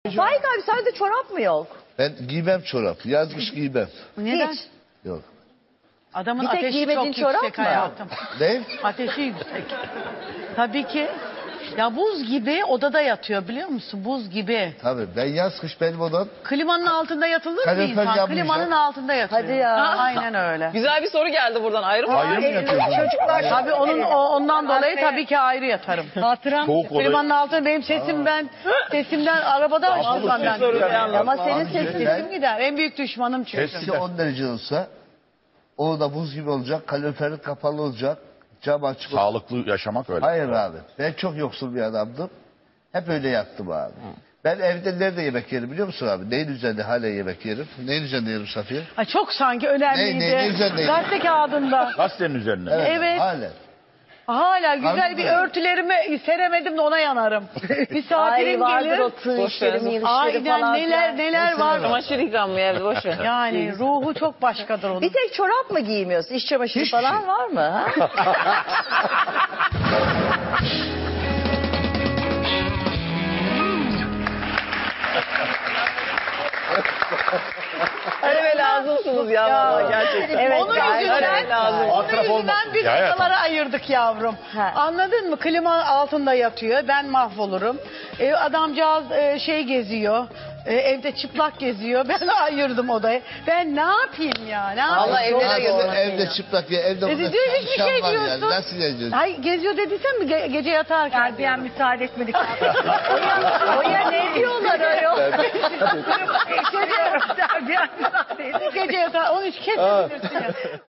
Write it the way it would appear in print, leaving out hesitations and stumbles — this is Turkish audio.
Faik abi sende çorap mı yok? Ben giymem çorap. Yaz kış giymem. Neden? Hiç. Yok. Adamın Bir tek ateşi giymediğin çok çorap yüksek mı? hayatım. Ne? Ateşi yüksek. Tabii ki. Ya buz gibi odada yatıyor biliyor musun? Buz gibi. Tabii ben yaz kış benim odam. Klimanın altında yatılır mı Kalorifer insan? yanmayacak. Klimanın altında yatıyor. Hadi ya. Aynen öyle. Güzel bir soru geldi buradan. Ayrı mı? Ayrı mı yatıyorsun? Çocuklar Tabii ondan dolayı tabii ki ayrı yatarım. Hatıram. Soğuk odayı. Klimanın altında benim sesimden arabada açmam ben. ama senin Abi, sesin Sesim gider. En büyük düşmanım çünkü. Eksi 10 derece olsa o da buz gibi olacak. Kaloriferin kapalı olacak. Cam açık olacak. Sağlıklı yaşamak öyle. Hayır abi. Ben çok yoksul bir adamdım. Hep öyle yattım abi. Ben evde nerede yemek yerim biliyor musun abi? Neyin üzerinde hala yemek yerim? Neyin üzerinde yerim Safiye? Ay çok sanki önemliydi. Ne üzerindeydi? Gazete kağıdında. Gazetenin üzerine. Evet. Hala. Hala güzel Harbi bir mi? örtülerimi seremedim de ona yanarım. Ay Misafirim vardır gelir. o tığ işleri, mil işleri Aynen falan. neler var. Çamaşır yıkanmıyor evde boş ver. Yani ruhu çok başkadır onun. Bir tek çorap mı giymiyorsun? İç çamaşırı Hiçbir falan şey. var mı? Ha? Hani ve lazımsınız ya. vallahi gerçekten. Evet, Onun gayet yüzünden, öyle lazım. onun Atraf yüzünden olmasın. biz Ya, hayatım. odalara ayırdık yavrum. Ha. Anladın mı? Klima altında yatıyor. Ben mahvolurum. Adamcağız şey geziyor. Evde çıplak geziyor. Ben ayırdım odayı. Ben ne yapayım ya? Ne yapayım? Allah evlere Abi, geziyor. evde çıplak ya. Evde Dedi, burada diyor, hiçbir çalışan şey var diyorsun. Yani. Nasıl geziyorsun? Ay geziyor dediysen mi gece yatarken? Gardiyan müsaade etmedik. Oya ne diyorlar ayol? Gardiyan müsaade etmedik. Gece yatar. Onu hiç kesmesin ya.